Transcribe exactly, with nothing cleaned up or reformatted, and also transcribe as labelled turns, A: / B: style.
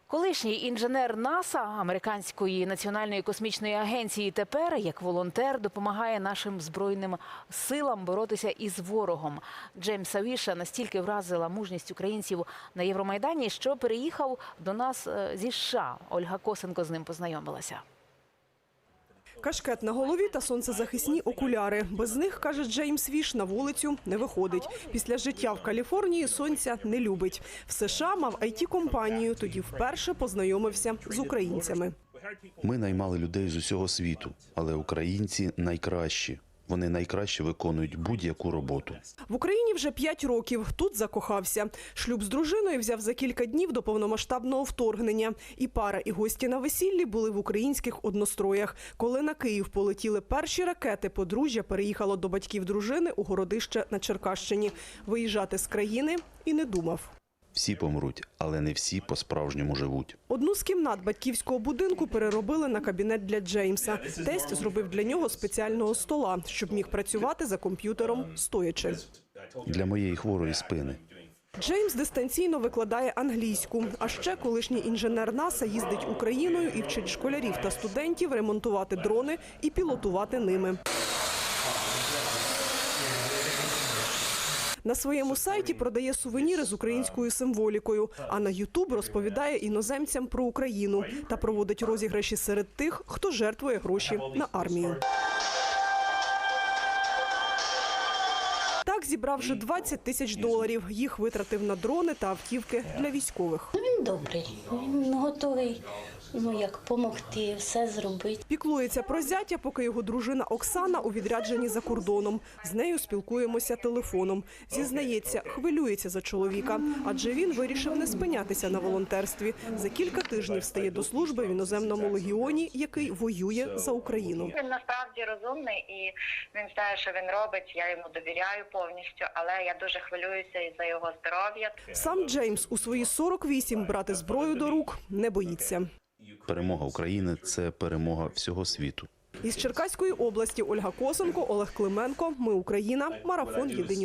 A: Колишній інженер НАСА, Американської національної космічної агенції, тепер, як волонтер, допомагає нашим збройним силам боротися із ворогом. Джеймса Віша настільки вразила мужність українців на Євромайдані, що переїхав до нас зі США. Ольга Косенко з ним познайомилася.
B: Кашкет на голові та сонцезахисні окуляри. Без них, каже Джеймс Віш, на вулицю не виходить. Після життя в Каліфорнії сонця не любить. В США мав ай ті-компанію, тоді вперше познайомився з українцями.
C: Ми наймали людей з усього світу, але українці найкращі. Вони найкраще виконують будь-яку роботу.
B: В Україні вже п'ять років. Тут закохався. Шлюб з дружиною взяв за кілька днів до повномасштабного вторгнення. І пара, і гості на весіллі були в українських одностроях. Коли на Київ полетіли перші ракети, подружжя переїхало до батьків дружини у Городище на Черкащині. Виїжджати з країни і не думав.
C: Всі помруть, але не всі по-справжньому живуть.
B: Одну з кімнат батьківського будинку переробили на кабінет для Джеймса. Тесть зробив для нього спеціального стола, щоб міг працювати за комп'ютером стоячи.
C: Для моєї хворої спини.
B: Джеймс дистанційно викладає англійську. А ще колишній інженер НАСА їздить Україною і вчить школярів та студентів ремонтувати дрони і пілотувати ними. На своєму сайті продає сувеніри з українською символікою, а на Ютуб розповідає іноземцям про Україну та проводить розіграші серед тих, хто жертвує гроші на армію. Так зібрав вже двадцять тисяч доларів. Їх витратив на дрони та автівки для військових.
D: Він добрий, він готовий, ну як допомогти, все зробити.
B: Піклується про зятя, поки його дружина Оксана у відрядженні за кордоном. З нею спілкуємося телефоном. Зізнається, хвилюється за чоловіка, адже він вирішив не спинятися на волонтерстві. За кілька тижнів стає до служби в іноземному легіоні, який воює за Україну.
E: Він насправді розумний і він знає, що він робить, я йому довіряю повністю, але я дуже хвилююся і за його здоров'я.
B: Сам Джеймс у свої сорок вісім брати зброю до рук не боїться.
C: Перемога України – це перемога всього світу.
B: Із Черкаської області Ольга Косенко, Олег Клименко. Ми Україна. Марафон. Єдині